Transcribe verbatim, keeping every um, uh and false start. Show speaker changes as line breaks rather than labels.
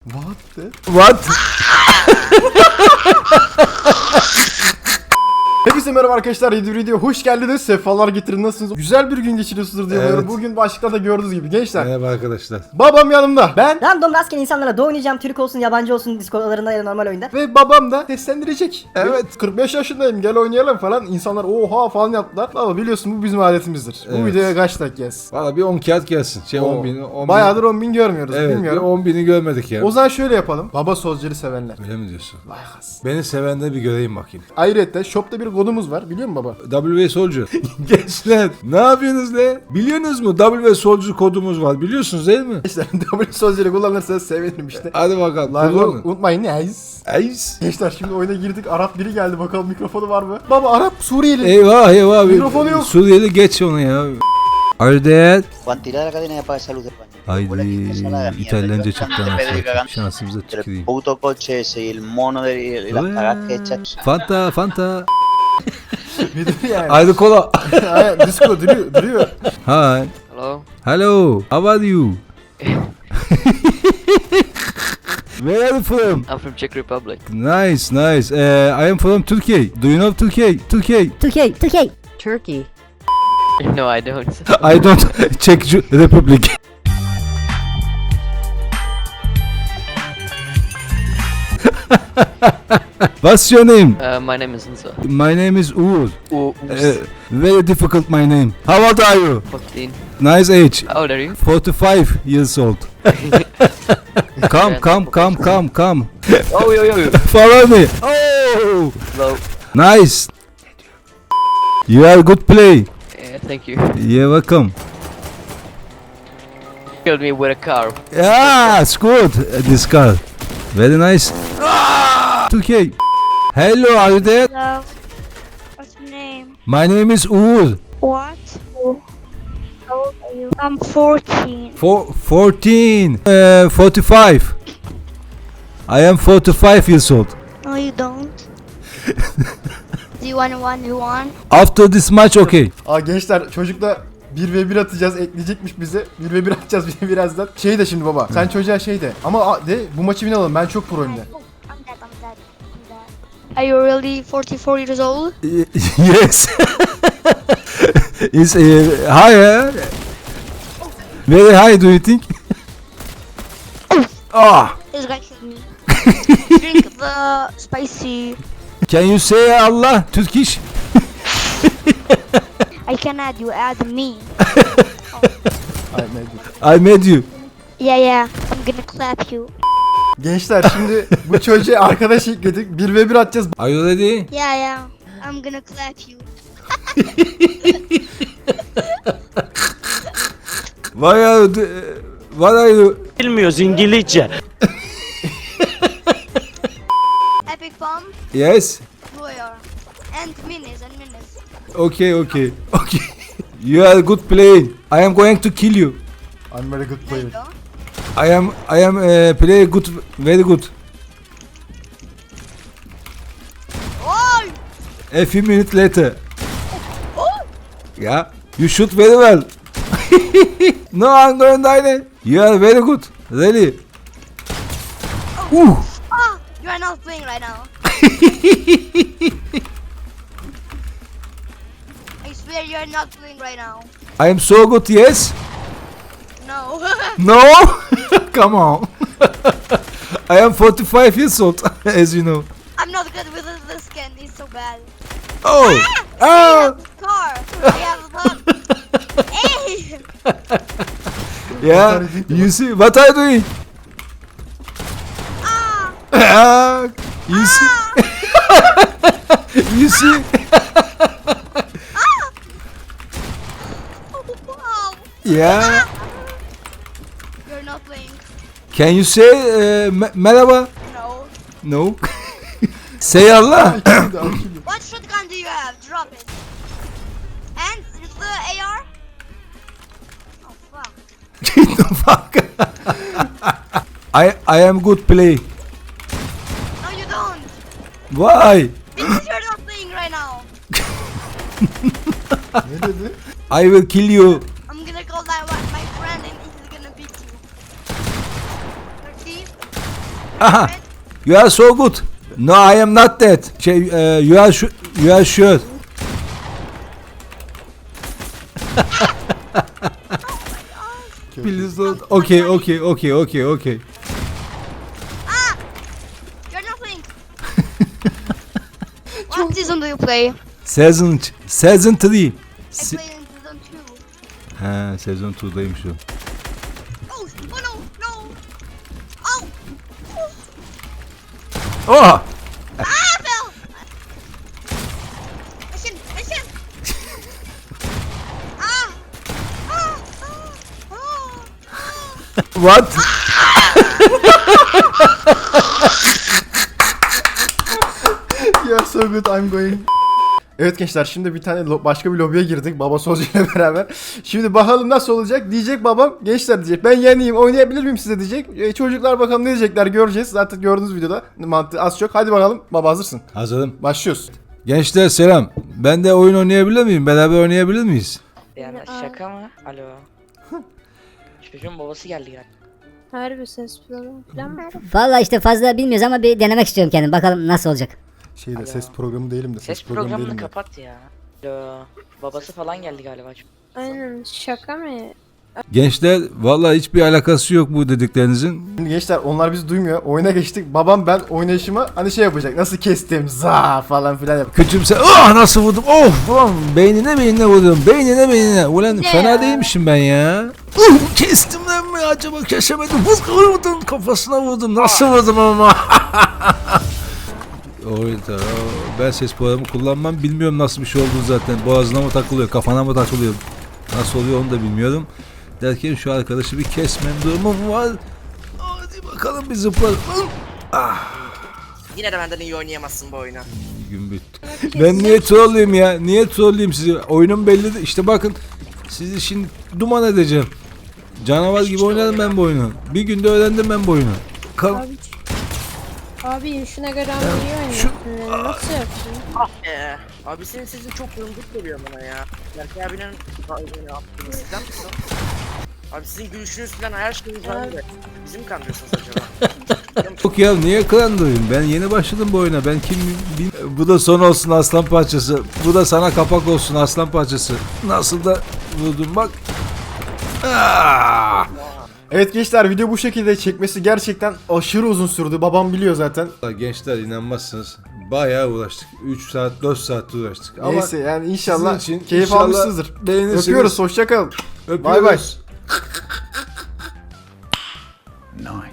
What the?
What?
Hepinize merhaba arkadaşlar, yeni bir video hoş geldiniz. Sefalar getirin, nasılsınız? Güzel bir gün geçiriyorsunuzdur diye umuyorum.
Evet.
Bugün başlıkta da gördüğünüz gibi gençler.
Merhaba arkadaşlar.
Babam yanımda. Ben
Random rastgele insanlara da oynayacağım. Türk olsun, yabancı olsun, Discord'larında ya da normal oyunda.
ve babam da seslendirecek.
Evet.
kırk beş yaşındayım, gel oynayalım falan. İnsanlar oha falan yaptılar. Baba biliyorsun bu bizim adetimizdir. Bu
Evet.
videoya kaç like gelsin?
Valla bir on kağıt gelsin. Şey
Oo.
on bin. on bin.
Bayağıdır on bin görmüyoruz,
Evet, bir
bilmiyorum.
on bini görmedik ya.
O zaman şöyle yapalım. Baba sözleri sevenler.
Öyle mi diyorsun?
Vay has.
Beni sevenleri bir göreyim bakayım.
Ayrıca shopta bir kodumuz var, biliyor musun baba?
W Soldier. Gençler ne yapıyorsunuz le? Biliyorsunuz mu? W Soldier kodumuz var. Biliyorsunuz değil mi?
Gençler W sözleri kullanırsanız sevinirim işte.
Hadi bakalım.
Like
Kullanın.
unutmayın. Nice.
Ace.
Gençler şimdi oyuna girdik. Arap biri geldi, bakalım mikrofonu var mı? Baba Arap Suriyeli.
Eyvah eyvah.
Mikrofonu yok.
Suriyeli geç onu ya. Are there?
Juan, tira la cadena de paga de salud del baño.
Haydi
Vuela que te sala la mierda.
İtalyanca
Yo
çıktı
antes de pedir
anasını.
cagando
Şansımıza
entre el
tüküreyim.
puto coche ese y el mono de y las cagas que echas.
Fanta Fanta.
Bir de yani.
Haydi kola.
Ay, disco duruyor, duruyor.
Hi.
Hello.
Hello. How are you? Where are you from?
I'm from Czech Republic.
Nice, nice. Uh, I am from Turkey. Do you know Turkey? Turkey.
Türkiye, Türkiye. Turkey.
No, I don't.
I don't Czech Republic. What's your name?
Uh, my name is Insa.
My name is Uğur.
Oh,
Uh, very difficult my name. How old are you?
fifteen.
Nice age.
How old are you?
forty-five years old. Come, come, come, come, come.
Oh, yo, yo, yo.
Follow me. Oh,
Hello.
nice. You are good play.
Yeah, thank you.
You're welcome.
Killed me with a car.
Yeah, it's good. uh, This car. Very nice. Okay. Hello, are you there?
Hello. What's your name?
My name is Uğur.
What? How old are you? I'm fourteen.
For fourteen. Uh, forty-five. I am forty-five years old.
No, you don't. Do you want to one to one?
After this match, okay.
Aa gençler, çocukla bir ve bir atacağız, ekleyecekmiş bize. bir ve bir atacağız bir birazdan. Şey de şimdi baba, sen çocuğa şey de. Ama a- de bu maçı win alalım, ben çok proyum de.
I'm dead. I'm dead. I'm dead. Are you really forty-four years old?
Yes. It's uh, higher. Very high, do you think? Ah.
This guy killed me. Drink the spicy.
Can you say Allah Turkish?
I can add you. Add me.
Ay, ne-
I made you.
Yeah, yeah. I'm gonna clap you.
Gençler şimdi bu çocuğa arkadaş ekledik. bir ve bir atacağız.
Are you ready?
Yeah, yeah. I'm gonna clap you.
Why are you? do- What are you?
Bilmiyoruz İngilizce.
Epic bomb.
Yes.
Lawyer. And minis and minis.
Okay, okay, okay. You are good playing. I am going to kill you.
I'm very good
There you
player.
go.
I am I am uh, play good, very good.
Oh!
A few minutes later. Yeah, you shoot very well. No, I'm going to die. You are very good, really. Ooh.
Ah! You are not playing right now. I swear you are not playing right now.
I am so good. Yes.
No.
No. Come on. I am forty-five years old, as you know.
I'm not good with this, this skin. It's so bad.
Oh.
I
Oh.
have a car. I have a bug. Hey!
Yeah. You see what I doing?
Ah!
Ah, you see? You see?
Wow!
Yeah.
You're not playing.
Can you say uh, me- merhaba?
No.
No. Say Allah.
What shotgun do you have? Drop it. And it's the A R? Oh fuck.
Get the fuck. I I am good play.
No, you don't.
Why?
Because you're not playing right now.
Ne dedi?
I will kill you.
I'm gonna call that one my friend and he's gonna beat you. thirty.
Aha. You are so good. No, I am not that. Şey, uh, you are su- you are sure. Please don't. Okay, okay, okay, okay, okay.
You're nothing. What season do you play?
Season season three.
I
Se-
play in season two.
ha, sezon iki'daymış o.
Oh, oh no, no. Oh,
Oh!
ah, I fell. Mission, mission. ah, ah, ah, ah.
What?
You're so good, I'm going. Evet gençler, şimdi bir tane lo- başka bir lobiye girdik baba Sozu ile beraber. Şimdi bakalım nasıl olacak, diyecek babam. Gençler diyecek, ben yeniyim, oynayabilir miyim size diyecek. E, çocuklar bakalım ne diyecekler, göreceğiz. Zaten gördüğünüz videoda mantığı az çok. Hadi bakalım baba, hazırsın.
Hazırım.
Başlıyoruz.
Gençler selam. Ben de oyun oynayabilir miyim? Beraber oynayabilir miyiz?
Yani şaka mı? Alo. Çocuğun babası geldi yani.
Harbi ses programı falan mı?
Vallahi işte fazla bilmiyoruz ama bir denemek istiyorum kendim. Bakalım nasıl olacak.
Şeyde
Alo.
ses programı değilim de ses,
Ses
programı
programını
değilim de.
kapat ya. Alo. Babası falan geldi galiba.
Aynen şaka mı?
Gençler vallahi hiçbir alakası yok bu dediklerinizin.
Şimdi gençler, onlar bizi duymuyor. Oyuna geçtik. Babam ben oynayışıma hani şey yapacak. Nasıl kestim za falan filan yap.
Küçümse ah nasıl vurdum of ulan beynine beynine vurdum beynine beynine ulan fena değilmişim ben ya. Uh, kestim lan mı acaba kesemedim vurdum kafasına vurdum nasıl vurdum ama. Oyda ben ses programı kullanmam bilmiyorum nasıl bir şey olduğunu zaten boğazına mı takılıyor kafana mı takılıyor nasıl oluyor onu da bilmiyorum. Derken şu arkadaşı bir kesmem durumum var. Hadi bakalım bir zıplar.
Yine de benden iyi oynayamazsın bu oyunu.
Gün bitti. Ben niye trolleyim ya? Niye trolleyim sizi? Oyunum belli de işte bakın sizi şimdi duman edeceğim. Canavar gibi oynadım ben bu oyunu. Bir günde öğrendim ben bu oyunu. Kal
Abi, abi şuna göre ama iyi oynuyorsun. yani. Nasıl yaptın?
Ee, abi senin sesin çok yumruk geliyor bana ya. Berkay abinin oyunu yaptığını sizden misin? Abi sizin gülüşünüz falan her şeyiniz var mı? Bizi mi kandırıyorsunuz acaba?
Yok ya niye kandırayım? Ben yeni başladım bu oyuna. Ben kim bil- Bu da son olsun aslan parçası. Bu da sana kapak olsun aslan parçası. Nasıl da vurdum bak. Ah!
Evet gençler, video bu şekilde çekmesi gerçekten aşırı uzun sürdü. Babam biliyor zaten.
Gençler inanmazsınız. Bayağı uğraştık. üç saat dört saat uğraştık.
Neyse yani inşallah
sizin için
keyif
inşallah
almışsınızdır.
beğenirsiniz.
Öpüyoruz, hoşça kalın.
Öpüyoruz.
Bay bay.
Nice.